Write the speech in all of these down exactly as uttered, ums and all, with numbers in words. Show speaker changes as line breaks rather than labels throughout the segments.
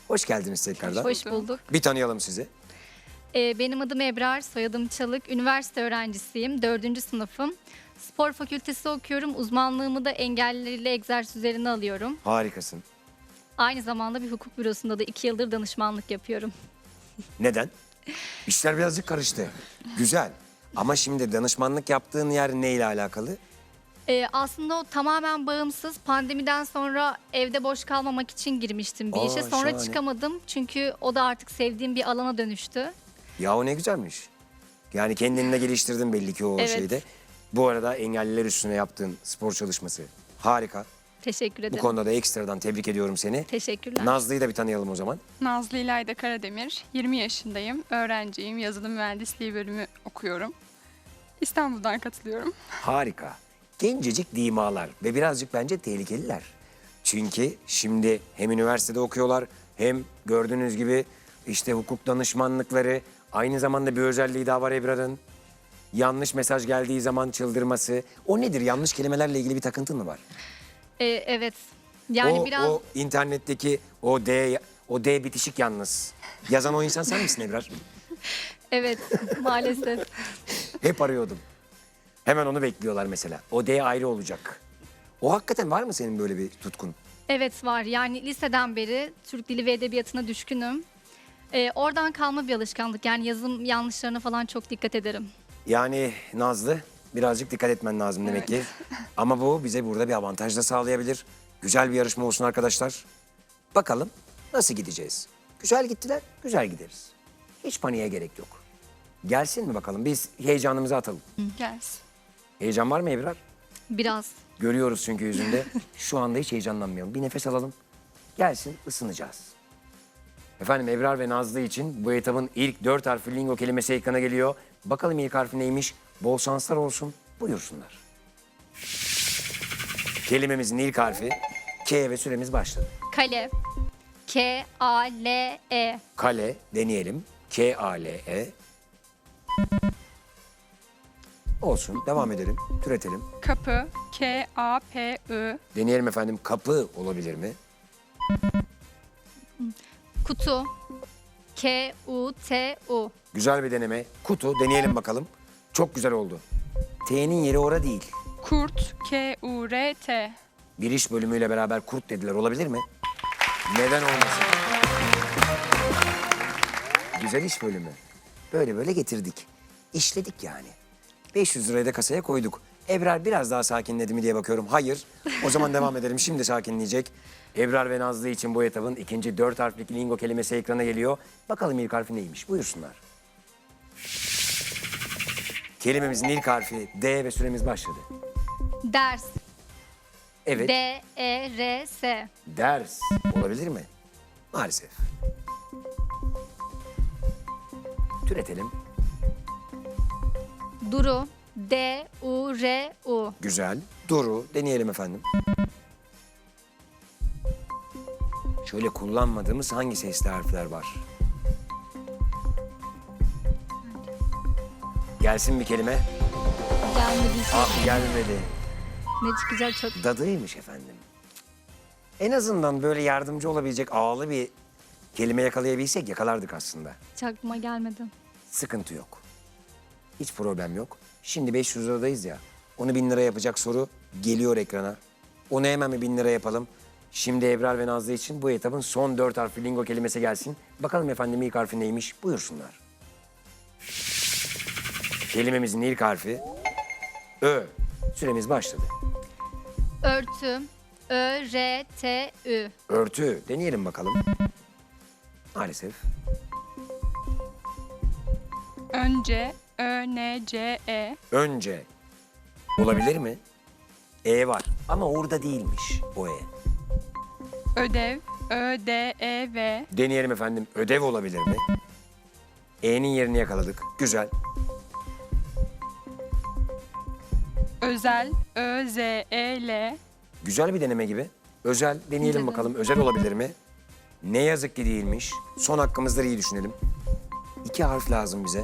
Hoş geldiniz tekrardan.
Hoş bulduk.
Bir tanıyalım sizi.
Ee, benim adım Ebrar, soyadım Çalık. Üniversite öğrencisiyim, dördüncü sınıfım. Spor fakültesi okuyorum. Uzmanlığımı da engellileriyle egzersiz üzerine alıyorum.
Harikasın.
Aynı zamanda bir hukuk bürosunda da iki yıldır danışmanlık yapıyorum.
Neden? İşler birazcık karıştı. Güzel. Ama şimdi danışmanlık yaptığın yer neyle alakalı?
Ee, aslında o tamamen bağımsız. Pandemiden sonra evde boş kalmamak için girmiştim bir
Aa,
işe. Sonra
şahane.
çıkamadım çünkü o da artık sevdiğim bir alana dönüştü.
Ya o ne güzelmiş. Yani kendini de geliştirdin belli ki o
Evet.
şeyde. Bu arada engelliler üstüne yaptığın spor çalışması harika.
Teşekkür
Bu
ederim.
konuda da ekstradan tebrik ediyorum seni.
Teşekkürler.
Nazlı'yı da bir tanıyalım o zaman.
Nazlı İlayda Karademir, yirmi yaşındayım, öğrenciyim, yazılım mühendisliği bölümü okuyorum. İstanbul'dan katılıyorum.
Harika. Gencecik dimalar ve birazcık bence tehlikeliler. Çünkü şimdi hem üniversitede okuyorlar hem gördüğünüz gibi işte hukuk danışmanlıkları, aynı zamanda bir özelliği daha var Ebrar'ın. Yanlış mesaj geldiği zaman çıldırması. O nedir? Yanlış kelimelerle ilgili bir takıntın mı var?
Ee, evet. Yani
o,
biraz...
o internetteki o D, o D bitişik yalnız. Yazan o insan sen misin Ebrar?
Evet, maalesef.
Hep arıyordum. Hemen onu bekliyorlar mesela. O D ayrı olacak. O hakikaten var mı senin böyle bir tutkun?
Evet var. Yani liseden beri Türk Dili ve Edebiyatı'na düşkünüm. Ee, oradan kalma bir alışkanlık. Yani yazım yanlışlarına falan çok dikkat ederim.
Yani Nazlı birazcık dikkat etmen lazım demek ki. Ama bu bize burada bir avantaj da sağlayabilir. Güzel bir yarışma olsun arkadaşlar. Bakalım nasıl gideceğiz? Güzel gittiler, güzel gideriz. Hiç paniğe gerek yok. Gelsin mi bakalım? Biz heyecanımızı atalım.
Gelsin.
Heyecan var mı Ebrar?
Biraz.
Görüyoruz çünkü yüzünde. Şu anda hiç heyecanlanmayalım. Bir nefes alalım. Gelsin, ısınacağız. Efendim Ebrar ve Nazlı için bu etabın ilk dört harfli lingo kelimesi ekrana geliyor. Bakalım ilk harfi neymiş? Bol şanslar olsun. Buyursunlar. Kelimemizin ilk harfi K ve süremiz başladı.
Kale. K A L E.
Kale deneyelim. K A L E. Olsun. Devam edelim. Türetelim.
Kapı, K A P I,
Deneyelim efendim. Kapı olabilir mi?
Kutu. K U T U.
Güzel bir deneme. Kutu deneyelim bakalım. Çok güzel oldu. T'nin yeri ora değil.
Kurt, K U R T,
Bir iş bölümüyle beraber kurt dediler. Olabilir mi? Neden olmasın? Güzel iş bölümü. Böyle böyle getirdik. İşledik yani. beş yüz lirayı da kasaya koyduk. Ebrar biraz daha sakinledi mi diye bakıyorum. Hayır. O zaman devam edelim. Şimdi sakinleyecek. Ebrar ve Nazlı için bu etabın ikinci dört harflik lingo kelimesi ekrana geliyor. Bakalım ilk harfi neymiş? Buyursunlar. Kelimemizin ilk harfi D ve süremiz başladı.
Ders.
Evet.
D E R S.
Ders olabilir mi? Maalesef. Türetelim.
Duru. D U R U.
Güzel. Duru deneyelim efendim. Şöyle kullanmadığımız hangi sesli harfler var? Gelsin bir kelime.
Gelmedi.
Ah gelmedi.
Ne çıkacak çok.
Dadıymış efendim. En azından böyle yardımcı olabilecek ağlı bir kelime yakalayabilsek yakalardık aslında.
Hiç aklıma gelmedi.
Sıkıntı yok. Hiç problem yok. Şimdi beş yüz liradayız ya. Onu bin lira yapacak soru geliyor ekrana. Onu hemen bir bin lira yapalım. Şimdi Ebrar ve Nazlı için bu etabın son dört harfli lingo kelimesi gelsin. Bakalım efendim ilk harfi neymiş? Buyursunlar. Kelimemizin ilk harfi Ö. Süremiz başladı.
Örtü. Ö R T Ü.
Örtü. Deneyelim bakalım. Maalesef.
Önce, Ö N C E,
Önce. Olabilir mi? E var ama orada değilmiş o E.
Ödev, Ö D E V,
Deneyelim efendim. Ödev olabilir mi? E'nin yerini yakaladık. Güzel.
Özel, Ö Z E L,
Güzel bir deneme gibi. Özel deneyelim
Denedim.
bakalım. Özel olabilir mi? Ne yazık ki değilmiş. Son hakkımızda iyi düşünelim. İki harf lazım bize.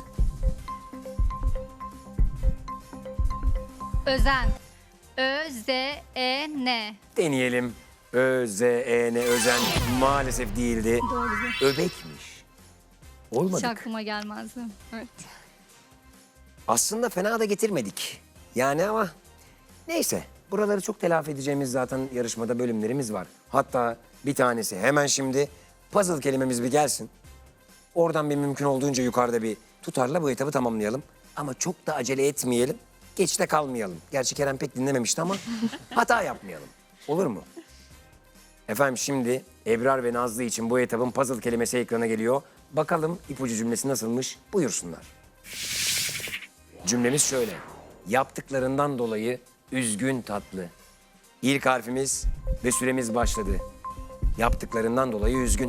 Özen. Ö Z E N.
Deneyelim. Ö, Z, E, N, özen maalesef değildi.
Doğru.
Öbekmiş.
Hiç
Olmadık.
aklıma gelmezdi.
Evet.
Aslında fena da getirmedik. Yani ama neyse. Buraları çok telafi edeceğimiz zaten yarışmada bölümlerimiz var. Hatta bir tanesi hemen şimdi puzzle kelimemiz bir gelsin. Oradan bir mümkün olduğunca yukarıda bir tutarla bu etabı tamamlayalım. Ama çok da acele etmeyelim. Geçte kalmayalım. Gerçi Kerem pek dinlememişti ama hata yapmayalım. Olur mu? Efendim şimdi Ebrar ve Nazlı için bu etabın puzzle kelimesi ekrana geliyor. Bakalım ipucu cümlesi nasılmış? Buyursunlar. Cümlemiz şöyle. Yaptıklarından dolayı üzgün tatlı. İlk harfimiz ve süremiz başladı. Yaptıklarından dolayı üzgün.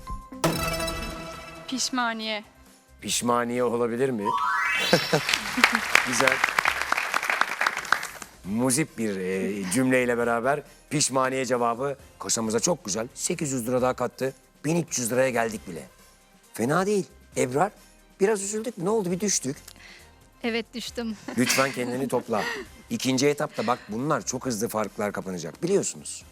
Pişmaniye.
Pişmaniye olabilir mi? Güzel. Muzip bir e, cümleyle beraber pişmaniye cevabı kasamıza çok güzel. sekiz yüz lira daha kattı. bin üç yüz liraya geldik bile. Fena değil. Ebrar biraz üzüldük. Ne oldu bir düştük.
Evet düştüm.
Lütfen kendini topla. İkinci etapta bak bunlar çok hızlı farklar kapanacak biliyorsunuz.